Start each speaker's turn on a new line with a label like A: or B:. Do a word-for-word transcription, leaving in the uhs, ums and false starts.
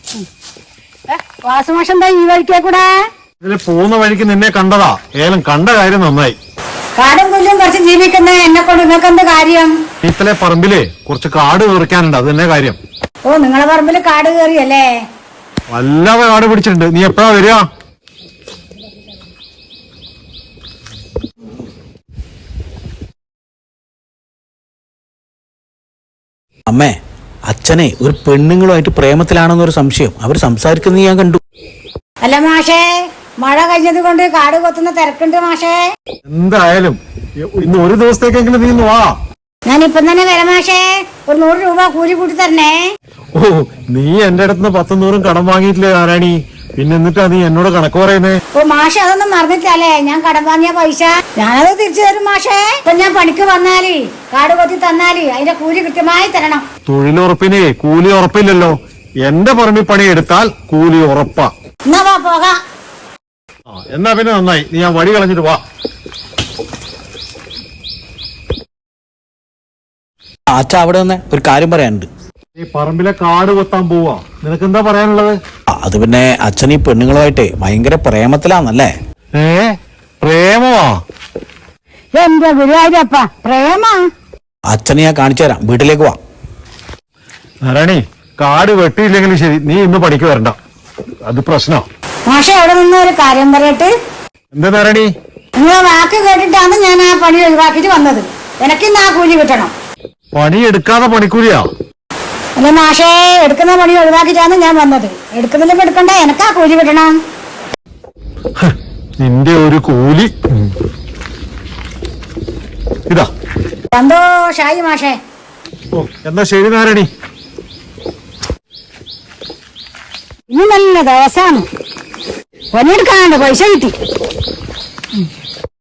A: വാസുമാഷം എന്താ ഈ വഴിക്കേ കൂടെ?
B: ഇതില് പോകുന്ന വഴിക്ക് നിന്നെ കണ്ടതാ. ഏലം കണ്ട കാര്യം നന്നായി.
A: കാടും പുല്ലും കുറച്ച് ജീവിക്കുന്ന എന്നെ കൊണ്ട് നിങ്ങൾക്ക് എന്ത് കാര്യം?
B: ഇത്തലെ പറമ്പില് കുറച്ച് കാട് കയറിക്കാനുണ്ട്, അത് തന്നെ കാര്യം.
A: ഓ, നിങ്ങളെ പറമ്പില് കാട് കയറിയല്ലേ?
B: വല്ലാതെ കാട് പിടിച്ചിട്ടുണ്ട്. നീ എപ്പോഴാ വരിക?
C: അമ്മേ, അച്ഛനെ ഒരു പെണ്ണുങ്ങളുമായിട്ട് പ്രേമത്തിലാണെന്നൊരു സംശയം. അവർ സംസാരിക്കുന്നത് ഞാൻ കണ്ടു.
A: അല്ല മാഷേ, മഴ കഴിഞ്ഞത് കൊണ്ട് കാട് കൊത്തുന്ന തിരക്കുണ്ട് മാഷേ.
B: എന്തായാലും ഇന്ന് ഒരു ദിവസത്തേക്കെങ്കിലും നീ വാ.
A: ഞാൻ ഇപ്പം തന്നെ വരാം മാഷേ. ഒരു നൂറ് രൂപ കൂലി കൂട്ടി തരണേ.
B: ഓ, നീ എന്റെ അടുത്ത് പത്തും നൂറും കടം വാങ്ങിയിട്ടില്ലേ നാരായണി? പിന്നെ എന്നിട്ടാ നീ എന്നോട് കണക്ക് പറയുന്നേ?
A: ഓ മാഷെ, അതൊന്നും മറന്നിട്ടല്ലേ ഞാൻ കടം വാങ്ങിയ പൈസ ഞാനത് തിരിച്ചു തരും മാഷേ. ഇപ്പൊ ഞാൻ പണിക്ക് വന്നാല് കാട് കൊത്തി തന്നാല് അതിന്റെ കൂലി കൃത്യമായി തരണം.
B: തൊഴിലുറപ്പിനെ കൂലി ഉറപ്പില്ലല്ലോ. എന്റെ പറമ്പിൽ പണി എടുത്താൽ കൂലി ഉറപ്പാ.
A: എന്നാ വാ പോകാം.
B: എന്നാ പിന്നെ നന്നായി. നീ ആ വഴി കളഞ്ഞിട്ട് വാ.
C: അച്ഛ, അവിടെ വന്നേ ഒരു കാര്യം പറയാനുണ്ട്.
B: ഈ പറമ്പിലെ കാട് കൊത്താൻ പോവാ. നിനക്ക് എന്താ പറയാനുള്ളത്?
C: അത് പിന്നെ അച്ഛൻ ഈ പെണ്ണുങ്ങളുമായിട്ട് ഭയങ്കര പ്രേമത്തിലാന്നല്ലേ?
B: ഏ, പ്രേമമാ?
A: എന്റെ ഗുരുവായൂരപ്പ, പ്രേമ?
C: അച്ഛനെ ഞാൻ കാണിച്ചു തരാം, വീട്ടിലേക്ക് വാ.
B: നാരായണി, കാട് വെട്ടിയില്ലെങ്കിലും ശരി, നീ ഇന്ന് പണിക്ക് വരണ്ട. അത് പ്രശ്നോ?
A: മാഷെ, അവിടെ നിന്ന് ഒരു കാര്യം പറയട്ടെ.
B: എന്താ നാരായണി?
A: നിങ്ങളെ വാക്ക് കേട്ടിട്ടാണ് ഞാൻ ആ പണി ഒഴിവാക്കിട്ട് വന്നത്. എനിക്കിന്ന് ആ കൂലി കിട്ടണം.
B: പണി എടുക്കാതെ പണിക്കൂലിയാ?
A: അല്ല മാഷേ, എടുക്കുന്ന പണി ഒഴിവാക്കിട്ടാണ് ഞാൻ വന്നത്. എടുക്കുന്നില്ലെങ്കിൽ എടുക്കണ്ട, എനിക്ക് ആ കൂലി കിട്ടണം.
B: നിന്റെ ഒരു കൂലി ഇതാ.
A: സന്തോഷായി മാഷേ.
B: ഓ, എന്നാ ശരി നാരായണി.
A: ഇനി നല്ല ദിവസമാണ്. പണിയെടുക്കാണ്ട് പൈസ കിട്ടി.